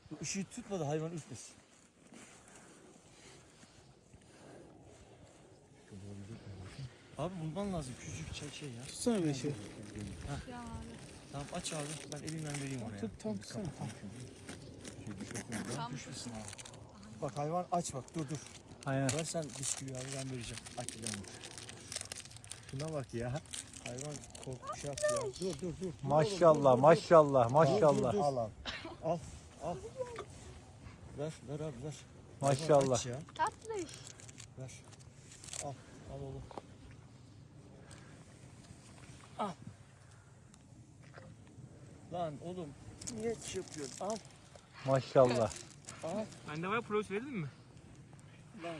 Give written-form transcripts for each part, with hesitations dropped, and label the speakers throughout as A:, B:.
A: Işığı tutma da hayvan ürkmesin. Abi bulman lazım küçük şey ya.
B: Tutsana bir şey.
C: Ya abi.
A: Tamam aç abi ben elimden vereyim oraya.
B: Tut tam tutsana.
C: Tam
A: Düşmesin abi. Bak hayvan aç bak dur.
D: Aynen.
A: Ver sen bisküvi abi ben vereceğim. Aç ilanı. Şuna bak ya. Hayvan korkmuş yaptı ya. Dur.
D: Maşallah, maşallah, maşallah.
A: Al abi. Al. Ver abi ver.
D: Maşallah.
A: Hayvan aç ya.
C: tatlı iş.
A: Ver. Al oğlum. Al. Lan oğlum niye şey yapıyorsun? Al.
D: Maşallah.
B: Bende var pros verir mi?
A: Lan.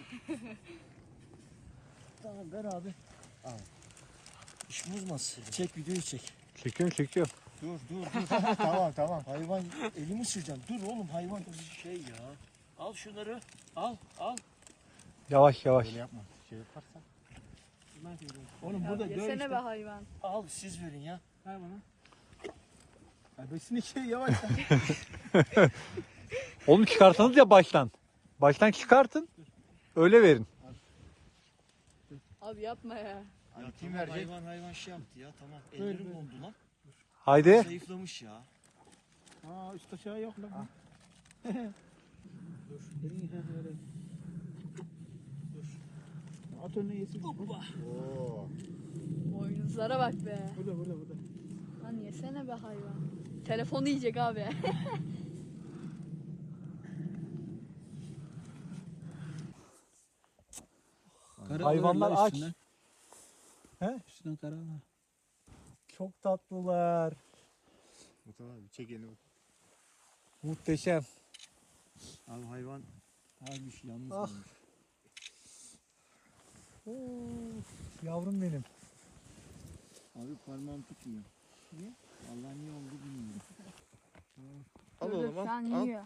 A: Tamam ver abi. Al. İş bozmasın. Çek videoyu çek.
D: Çekiyorum.
A: Dur. tamam. Hayvan elimi süreceğim. Dur oğlum hayvan şey ya. Al şunları. Al.
D: Yavaş.
A: Böyle yapma. Şey yaparsan.
B: Oğlum
C: Ya
B: burada gör
C: yesene
B: işte.
C: be hayvan.
A: Al siz verin ya.
B: Ver bana. Besini şey yavaş.
D: Oğlum çıkarsanız ya baştan. Baştan çıkartın. Öyle verin.
C: Abi yapma ya.
A: Ya
B: kim
A: tamam,
B: verecek?
A: hayvan şey yaptı ya tamam. Ellerim
B: Böyle.
A: dondu lan.
D: Haydi.
A: Zayıflamış ya.
B: Aa üst aşağı yok lan. Dur. Elini öyle. Dur. At önüne yesin. Hoppa.
C: Boynuzlara bak be.
B: Burada.
C: Lan yesene be hayvan. Telefonu yiyecek abi.
D: Hayvanlar aç. He?
B: Üstünden kara var.
D: Çok tatlılar.
A: Mustafa abi çek elini.
D: Muhteşem.
A: Abi hayvan harbi yalnız
D: Ah.
A: kalmış.
D: Yavrum benim.
A: Abi parmağım tutmuyor. Niye? Allah niye oldu bilmiyorum.
C: Dur, dur, şu an yiyor.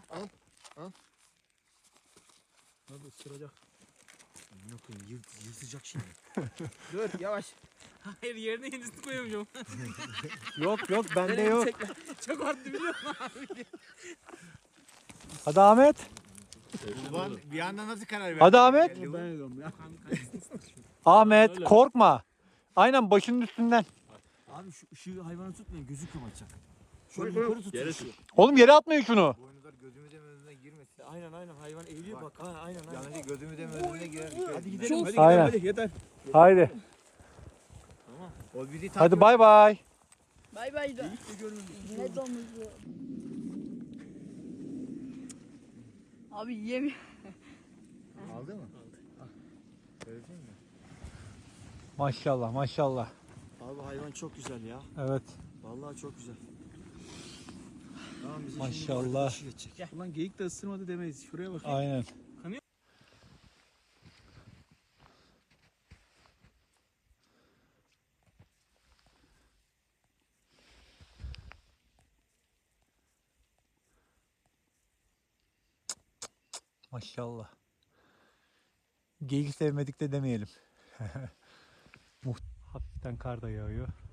B: Hadi ısıracak.
A: Ne koyayım yırtacak şimdi.
B: Dur yavaş. Hayır yerine yenisini koyamıyorum.
D: Yok bende yok.
B: Çok arttı biliyor musun abi?
D: Hadi Ahmet.
A: Ulan bir anda nasıl karar verdin?
D: Hadi Ahmet.
B: Ben ediyorum ya.
D: Ahmet korkma. Aynen başının üstünden.
A: Abi şu ışığı hayvanı tutmayın gözü kapatacak. Şöyle yukarı tutun ışığı.
D: Oğlum yere atmayın şunu.
E: Boynuzlar gözümüzün önüne girmesin.
A: Aynen hayvan eğiliyor bak. Ha, aynen.
E: Yanlış gözümüzün önüne girer.
A: Hadi gidelim.
B: Hadi
D: Aynen.
B: gidelim hadi yeter.
D: Haydi.
E: O bizi takip
D: Hadi bay bay.
C: Bay bay da. Ne domuzu. Abi yemiyor.
E: aldı mı? Gördün mü?
D: Maşallah.
A: Abi hayvan çok güzel ya.
D: Evet.
A: Vallahi çok güzel. Tamam bize
D: Maşallah.
A: şimdi arkadaşı geçecek.
B: Ulan geyik de ısırmadı demeyiz. Şuraya bak.
D: Aynen. Maşallah. Geyik sevmedik de demeyelim. Hafiften kar da yağıyor.